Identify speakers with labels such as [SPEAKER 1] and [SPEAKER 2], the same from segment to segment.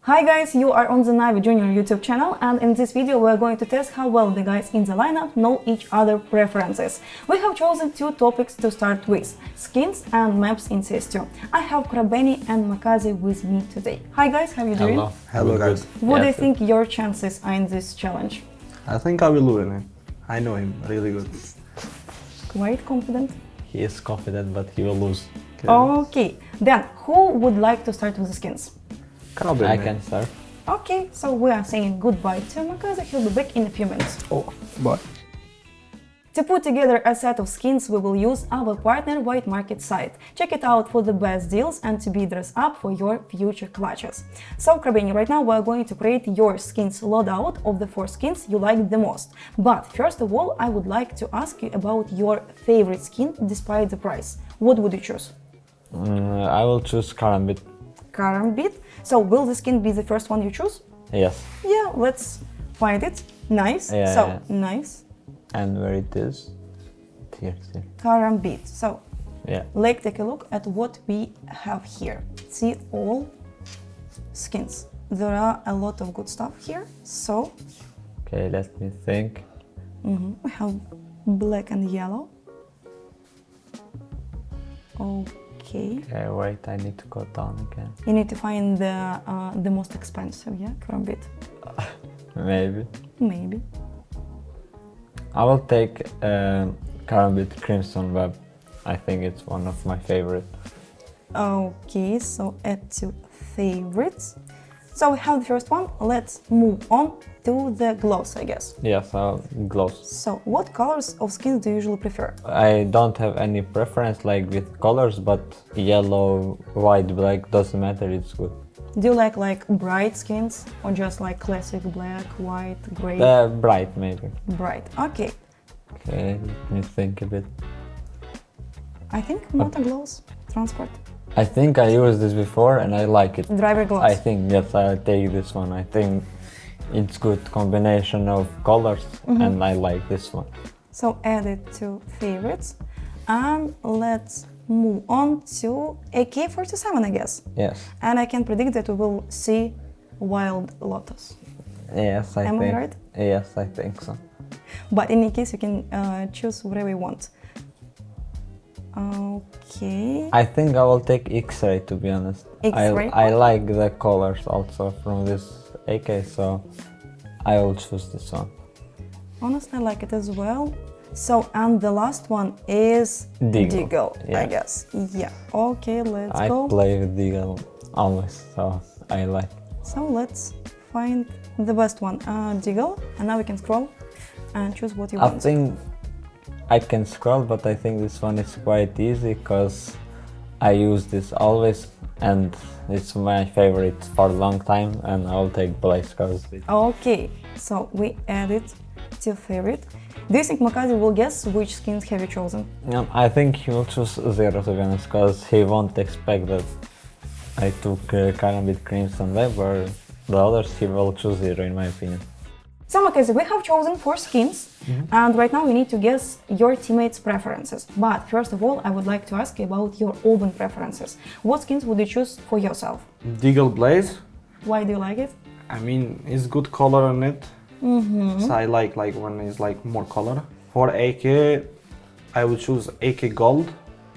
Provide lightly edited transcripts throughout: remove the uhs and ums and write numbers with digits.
[SPEAKER 1] Hi guys, you are on the Navi Junior YouTube channel, and in this video we are going to test how well the guys in the lineup know each other preferences. We have chosen two topics to start with, skins and maps in CS2. I have Krabeni and Makazi with me today. Hi guys, how are you doing?
[SPEAKER 2] Hello guys.
[SPEAKER 1] What do you think your chances are in this challenge?
[SPEAKER 2] I think I will win it. I know him really good.
[SPEAKER 1] Quite confident?
[SPEAKER 3] He is confident, but he will lose.
[SPEAKER 1] Okay, then who would like to start with the skins?
[SPEAKER 3] I can start.
[SPEAKER 1] Okay, so we are saying goodbye to Makazi. He'll be back in a few minutes.
[SPEAKER 2] Oh, bye.
[SPEAKER 1] To put together a set of skins, we will use our partner White Market site. Check it out for the best deals and to be dressed up for your future clutches. So, Krabeni, right now we are going to create your skins loadout of the 4 skins you like the most. But first of all, I would like to ask you about your favorite skin despite the price. What would you choose?
[SPEAKER 3] I will choose Karambit.
[SPEAKER 1] Karambit. So, will the skin be the first one you choose?
[SPEAKER 3] Yes.
[SPEAKER 1] Yeah, let's find it. Nice.
[SPEAKER 3] Yeah.
[SPEAKER 1] Nice.
[SPEAKER 3] And where it is? Here.
[SPEAKER 1] Karambit. So,
[SPEAKER 3] Yeah.
[SPEAKER 1] let's take a look at what we have here. See all skins. There are a lot of good stuff here. So,
[SPEAKER 3] Okay, let me think.
[SPEAKER 1] we have black and yellow. Okay.
[SPEAKER 3] Okay, wait, I need to go down again.
[SPEAKER 1] You need to find the most expensive, yeah, Karambit.
[SPEAKER 3] Maybe.
[SPEAKER 1] Maybe.
[SPEAKER 3] I will take Karambit Crimson Web. I think it's one of my favorite.
[SPEAKER 1] Okay, so add to favorites. So we have the first one. Let's move on to the glows, I guess.
[SPEAKER 3] Yes, glows.
[SPEAKER 1] So what colors of skins do you usually prefer?
[SPEAKER 3] I don't have any preference like with colors, but yellow, white, black doesn't matter, it's good.
[SPEAKER 1] Do you like bright skins or just like classic black, white, gray?
[SPEAKER 3] Bright maybe.
[SPEAKER 1] Bright. Okay.
[SPEAKER 3] Okay, let me think a bit.
[SPEAKER 1] I think Moto glows. Transport.
[SPEAKER 3] I think I used this before and I like it.
[SPEAKER 1] Driver glows.
[SPEAKER 3] I think, yes, I'll take this one. I think it's good combination of colors and I like this one.
[SPEAKER 1] So add it to favorites. And let's move on to AK-47, I guess.
[SPEAKER 3] Yes.
[SPEAKER 1] And I can predict that we will see Wild Lotus.
[SPEAKER 3] Yes, I
[SPEAKER 1] Am I
[SPEAKER 3] think.
[SPEAKER 1] right?
[SPEAKER 3] Yes, I think so.
[SPEAKER 1] But in any case, you can choose whatever you want. Okay.
[SPEAKER 3] I think I will take X-ray, to be honest.
[SPEAKER 1] X-ray?
[SPEAKER 3] I like the colors also from this AK, so I will choose this one.
[SPEAKER 1] Honestly, I like it as well. So, and the last one is Deagle,
[SPEAKER 3] Yeah.
[SPEAKER 1] I guess. Yeah. Okay, let's
[SPEAKER 3] I
[SPEAKER 1] go.
[SPEAKER 3] play with Deagle always, so I like.
[SPEAKER 1] So let's find the best one, Deagle, and now we can scroll and choose what you
[SPEAKER 3] I
[SPEAKER 1] want.
[SPEAKER 3] think I can scroll, but I think this one is quite easy because I use this always and it's my favorite for a long time, and I'll take Blaze because
[SPEAKER 1] Okay, so we add it to favorite. Do you think Makazi will guess which skins have you chosen?
[SPEAKER 3] I think he will choose Zero, to be honest, because he won't expect that I took Karambit Crimson Web, or the others he will choose Zero, in my opinion.
[SPEAKER 1] So Makazi, we have chosen 4 skins, and right now we need to guess your teammates' preferences. But first of all, I would like to ask you about your own preferences. What skins would you choose for yourself?
[SPEAKER 2] Deagle Blaze.
[SPEAKER 1] Why do you like it?
[SPEAKER 2] I mean, it's good color on it. So I like when it's like more color. For AK, I would choose AK Gold.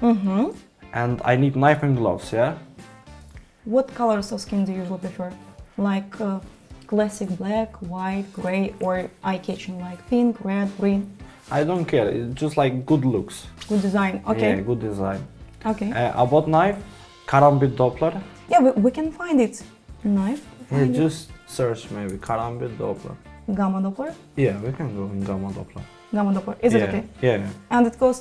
[SPEAKER 2] And I need knife and gloves, yeah?
[SPEAKER 1] What colors of skin do you usually prefer? Like classic black, white, gray, or eye-catching like pink, red, green?
[SPEAKER 2] I don't care, it's just like good looks.
[SPEAKER 1] Good design, okay.
[SPEAKER 2] Yeah, good design.
[SPEAKER 1] Okay.
[SPEAKER 2] About knife, Karambit Doppler.
[SPEAKER 1] Yeah, we can find it. Knife.
[SPEAKER 2] Yeah,
[SPEAKER 1] Find it.
[SPEAKER 2] just search maybe Karambit Doppler.
[SPEAKER 1] Gamma Doppler.
[SPEAKER 2] Yeah, we can go in Gamma Doppler.
[SPEAKER 1] Gamma Doppler. Is it
[SPEAKER 2] Yeah,
[SPEAKER 1] okay?
[SPEAKER 2] Yeah.
[SPEAKER 1] And it costs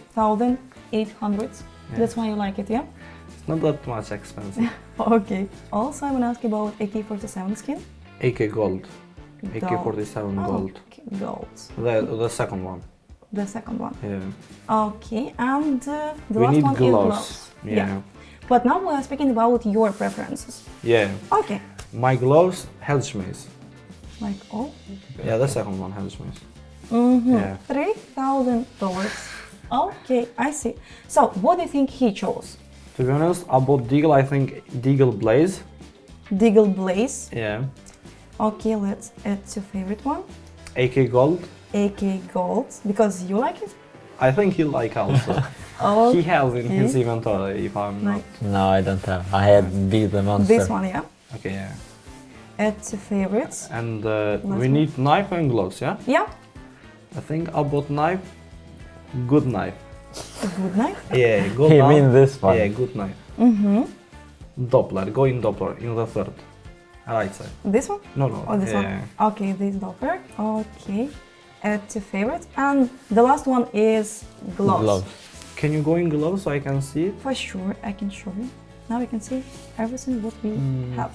[SPEAKER 1] 2,800. That's why you like it, yeah?
[SPEAKER 2] It's not that much expensive.
[SPEAKER 1] Okay. Also, I want to ask you about AK-47 skin.
[SPEAKER 2] AK Gold. AK-47 Gold.
[SPEAKER 1] Okay, gold.
[SPEAKER 2] The second one.
[SPEAKER 1] The second one.
[SPEAKER 2] Yeah.
[SPEAKER 1] Okay, and the
[SPEAKER 2] We
[SPEAKER 1] last
[SPEAKER 2] need
[SPEAKER 1] one
[SPEAKER 2] gloves.
[SPEAKER 1] is gloves.
[SPEAKER 2] Yeah.
[SPEAKER 1] But now we are speaking about your preferences.
[SPEAKER 2] Yeah.
[SPEAKER 1] Okay.
[SPEAKER 2] My gloves, Hellschmaze.
[SPEAKER 1] Like, oh.
[SPEAKER 2] Yeah, the second one, Hellschmaze. Yeah.
[SPEAKER 1] $3,000. Okay, I see. So, what do you think he chose?
[SPEAKER 2] To be honest, about Deagle, I think Deagle Blaze.
[SPEAKER 1] Deagle Blaze.
[SPEAKER 2] Yeah.
[SPEAKER 1] Okay, let's add to favorite one.
[SPEAKER 2] AK Gold.
[SPEAKER 1] AK Gold, because you like it?
[SPEAKER 2] I think he like also.
[SPEAKER 1] Oh,
[SPEAKER 2] He has in his inventory, if I'm not.
[SPEAKER 3] No, I don't have. I had Beat the Monster.
[SPEAKER 1] this one, yeah.
[SPEAKER 2] Okay, yeah.
[SPEAKER 1] Add to favorites.
[SPEAKER 2] And we
[SPEAKER 1] one.
[SPEAKER 2] need knife and gloves, yeah?
[SPEAKER 1] Yeah,
[SPEAKER 2] I think about knife. Good knife.
[SPEAKER 1] a good knife.
[SPEAKER 2] Yeah, go
[SPEAKER 3] You
[SPEAKER 2] down.
[SPEAKER 3] mean this one?
[SPEAKER 2] Yeah, good knife.
[SPEAKER 1] Mm-hmm.
[SPEAKER 2] Doppler, go in Doppler, in the third. Right side.
[SPEAKER 1] This one?
[SPEAKER 2] No, no.
[SPEAKER 1] Or this
[SPEAKER 2] yeah.
[SPEAKER 1] one? Okay, this Doppler. Okay. Add to favorite. And the last one is gloves.
[SPEAKER 2] Can you go in gloves so I can see it?
[SPEAKER 1] For sure, I can show you. Now you can see everything what we have.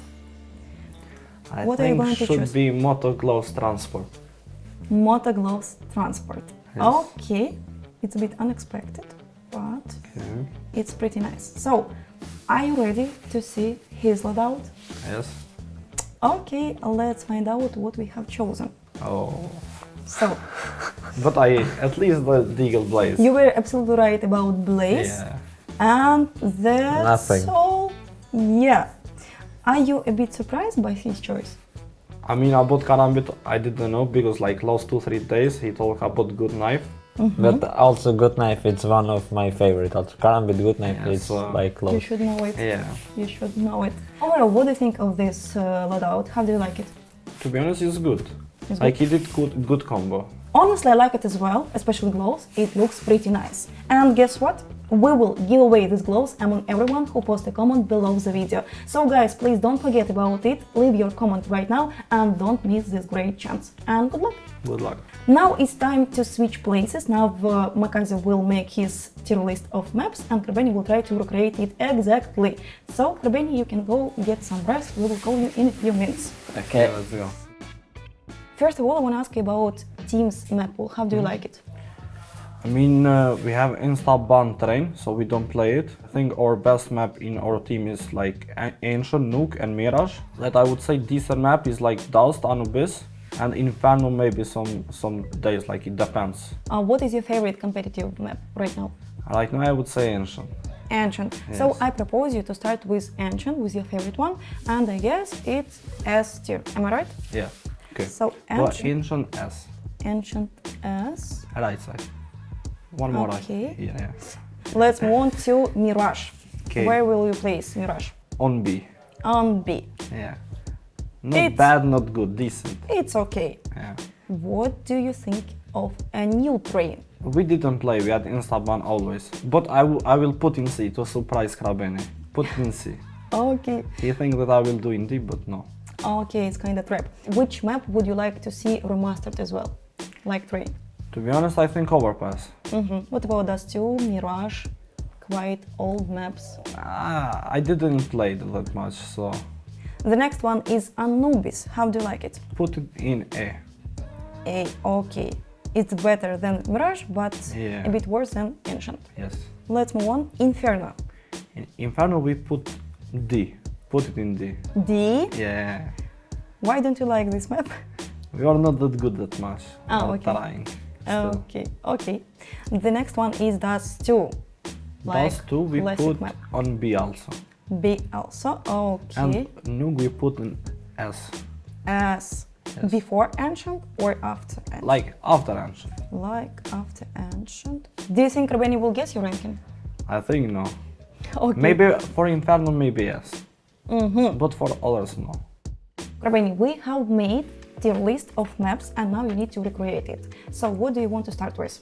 [SPEAKER 2] I
[SPEAKER 1] What are you
[SPEAKER 2] think
[SPEAKER 1] going to
[SPEAKER 2] should
[SPEAKER 1] choose?
[SPEAKER 2] be Moto Gloves Transport.
[SPEAKER 1] Moto Gloves Transport.
[SPEAKER 2] Yes.
[SPEAKER 1] Okay, it's a bit unexpected, but
[SPEAKER 2] Okay.
[SPEAKER 1] it's pretty nice. So, are you ready to see his loadout?
[SPEAKER 2] Yes.
[SPEAKER 1] Okay, let's find out what we have chosen.
[SPEAKER 2] Oh.
[SPEAKER 1] So,
[SPEAKER 2] But at least the Deagle Blaze.
[SPEAKER 1] you were absolutely right about Blaze.
[SPEAKER 2] Yeah.
[SPEAKER 1] And that's
[SPEAKER 3] Nothing.
[SPEAKER 1] all. Yeah. Are you a bit surprised by his choice?
[SPEAKER 2] I mean, about Karambit, I didn't know because like last 2-3 days he talked about good knife.
[SPEAKER 3] But also Good Knife, it's one of my favorite. Also Karambit Good Knife
[SPEAKER 2] Yeah,
[SPEAKER 3] is
[SPEAKER 2] so-
[SPEAKER 3] like
[SPEAKER 1] You
[SPEAKER 3] close.
[SPEAKER 1] should know it.
[SPEAKER 2] Yeah.
[SPEAKER 1] You should know it. Overall, what do you think of this loadout? How do you like it?
[SPEAKER 2] To be honest, it's good.
[SPEAKER 1] It's
[SPEAKER 2] Like he did good combo.
[SPEAKER 1] Honestly, I like it as well, especially gloves. It looks pretty nice. And guess what? We will give away these gloves among everyone who posts a comment below the video. So guys, please don't forget about it. Leave your comment right now and don't miss this great chance. And good luck!
[SPEAKER 2] Good luck.
[SPEAKER 1] Now it's time to switch places. Now Makazi will make his tier list of maps and Krabeni will try to recreate it exactly. So Krabeni, you can go get some rest. We will call you in a few minutes.
[SPEAKER 3] Okay.
[SPEAKER 2] Let's go.
[SPEAKER 1] First of all, I want to ask you about Team's map pool. How do you like it?
[SPEAKER 2] I mean, we have Insta-ban Train, so we don't play it. I think our best map in our team is like Ancient, Nuke and Mirage. That I would say decent map is like Dust, Anubis, and Inferno maybe some days, like it depends.
[SPEAKER 1] What is your favorite competitive map right now?
[SPEAKER 2] Right now I would say Ancient.
[SPEAKER 1] Ancient. So
[SPEAKER 2] Yes.
[SPEAKER 1] I propose you to start with Ancient, with your favorite one, and I guess it's S tier. Am I right?
[SPEAKER 2] Yeah. Okay.
[SPEAKER 1] So
[SPEAKER 2] Well,
[SPEAKER 1] Ancient,
[SPEAKER 2] Ancient S.
[SPEAKER 1] Ancient S.
[SPEAKER 2] Right side. One more
[SPEAKER 1] Okay.
[SPEAKER 2] right here, yeah.
[SPEAKER 1] Let's move on to Mirage.
[SPEAKER 2] Okay.
[SPEAKER 1] Where will you place Mirage?
[SPEAKER 2] On B.
[SPEAKER 1] On B.
[SPEAKER 2] Yeah. Not
[SPEAKER 1] It's-
[SPEAKER 2] bad, not good, decent.
[SPEAKER 1] It's okay.
[SPEAKER 2] Yeah.
[SPEAKER 1] What do you think of a new train?
[SPEAKER 2] We didn't play, we had Insta-ban always. But I will put in C to surprise Krabeni. Put in C.
[SPEAKER 1] Okay.
[SPEAKER 2] He thinks that I will do in D, but no.
[SPEAKER 1] Okay, it's kind of trap. Which map would you like to see remastered as well? Like train.
[SPEAKER 2] To be honest, I think Overpass.
[SPEAKER 1] What about Dust 2, Mirage? Quite old maps.
[SPEAKER 2] I didn't play it that much, so
[SPEAKER 1] The next one is Anubis. How do you like it?
[SPEAKER 2] put it in A.
[SPEAKER 1] A. Okay. It's better than Mirage, but
[SPEAKER 2] Yeah.
[SPEAKER 1] a bit worse than Ancient.
[SPEAKER 2] Yes.
[SPEAKER 1] Let's move on. Inferno.
[SPEAKER 2] In Inferno we put D. Put it in D.
[SPEAKER 1] D.
[SPEAKER 2] Yeah.
[SPEAKER 1] Why don't you like this map?
[SPEAKER 2] We are not that good that much.
[SPEAKER 1] Ah,
[SPEAKER 2] We're
[SPEAKER 1] okay.
[SPEAKER 2] trying. Still.
[SPEAKER 1] Okay, okay. The next one is Dust 2.
[SPEAKER 2] Those two we
[SPEAKER 1] classic
[SPEAKER 2] put
[SPEAKER 1] map.
[SPEAKER 2] on B also.
[SPEAKER 1] B also. Okay.
[SPEAKER 2] And Nuke we put in S.
[SPEAKER 1] As
[SPEAKER 2] Yes.
[SPEAKER 1] before Ancient or after Ancient?
[SPEAKER 2] Like after Ancient.
[SPEAKER 1] Like after Ancient. Do you think Rabeni will guess your ranking?
[SPEAKER 2] I think no.
[SPEAKER 1] Okay.
[SPEAKER 2] Maybe for Inferno, maybe yes. But for others, no.
[SPEAKER 1] Rabeni, we have made tier list of maps and now you need to recreate it. So what do you want to start with?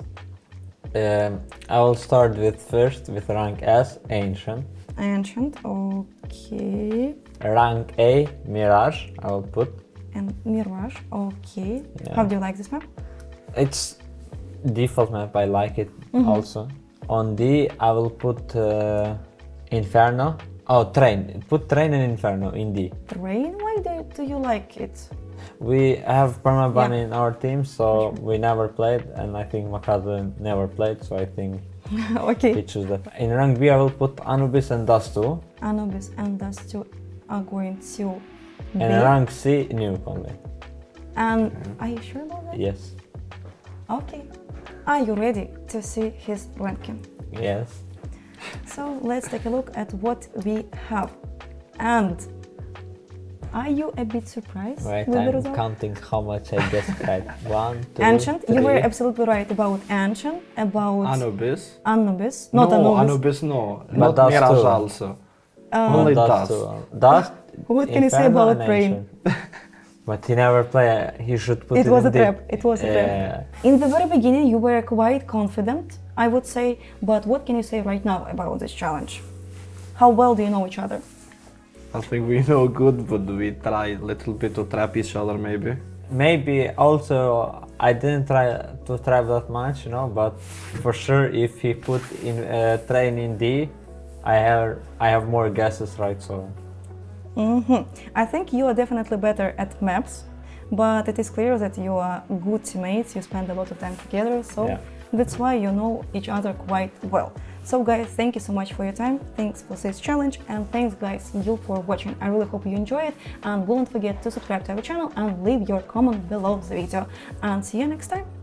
[SPEAKER 3] I will start with rank S, Ancient.
[SPEAKER 1] Ancient, okay.
[SPEAKER 3] Rank A, Mirage, I will put.
[SPEAKER 1] And Mirage, okay.
[SPEAKER 3] Yeah.
[SPEAKER 1] How do you like this map?
[SPEAKER 3] It's default map, I like it also. On D, I will put Inferno. Oh, Train. Put Train and Inferno in D.
[SPEAKER 1] Train, why do you like it?
[SPEAKER 3] We have Permaban
[SPEAKER 1] Yeah.
[SPEAKER 3] in our team, so we never played, and I think Makazu never played, so I think he
[SPEAKER 1] Okay.
[SPEAKER 3] choose that. In rank B, I will put Anubis and Dust 2.
[SPEAKER 1] Anubis and Dust 2 are going to B.
[SPEAKER 3] And in rank C, Nuke only.
[SPEAKER 1] And are you sure about that?
[SPEAKER 3] Yes.
[SPEAKER 1] Okay. Are you ready to see his ranking?
[SPEAKER 3] Yes.
[SPEAKER 1] So let's take a look at what we have. And Are you a bit surprised
[SPEAKER 3] Right,
[SPEAKER 1] with the
[SPEAKER 3] I'm
[SPEAKER 1] result?
[SPEAKER 3] counting how much I guessed right. 1, 2,
[SPEAKER 1] Ancient. You were
[SPEAKER 3] 3.
[SPEAKER 1] absolutely right about Ancient, about
[SPEAKER 2] Anubis.
[SPEAKER 1] Anubis. Not
[SPEAKER 2] No,
[SPEAKER 1] Anubis.
[SPEAKER 2] no.
[SPEAKER 3] But
[SPEAKER 2] Not
[SPEAKER 3] Dust
[SPEAKER 2] Mirage
[SPEAKER 3] too.
[SPEAKER 2] also.
[SPEAKER 3] But
[SPEAKER 2] Only
[SPEAKER 3] Dust
[SPEAKER 2] Dust.
[SPEAKER 3] too. Dust.
[SPEAKER 1] What can you say
[SPEAKER 3] Inferno,
[SPEAKER 1] about
[SPEAKER 3] and
[SPEAKER 1] Rain?
[SPEAKER 3] Ancient. But he never played. He should put it
[SPEAKER 1] It was
[SPEAKER 3] in
[SPEAKER 1] a
[SPEAKER 3] deep.
[SPEAKER 1] trap. It was a trap. In the very beginning, you were quite confident, I would say. But what can you say right now about this challenge? How well do you know each other?
[SPEAKER 2] I think we know good, but we try a little bit to trap each other maybe.
[SPEAKER 3] Maybe also I didn't try to trap that much, you know. But for sure, if he put in train in D, I have more guesses, right? So.
[SPEAKER 1] I think you are definitely better at maps, but it is clear that you are good teammates, you spend a lot of time together, so
[SPEAKER 3] Yeah.
[SPEAKER 1] that's why you know each other quite well. So guys, thank you so much for your time, thanks for this challenge, and thanks guys you for watching. I really hope you enjoy it, and don't forget to subscribe to our channel and leave your comment below the video. And see you next time!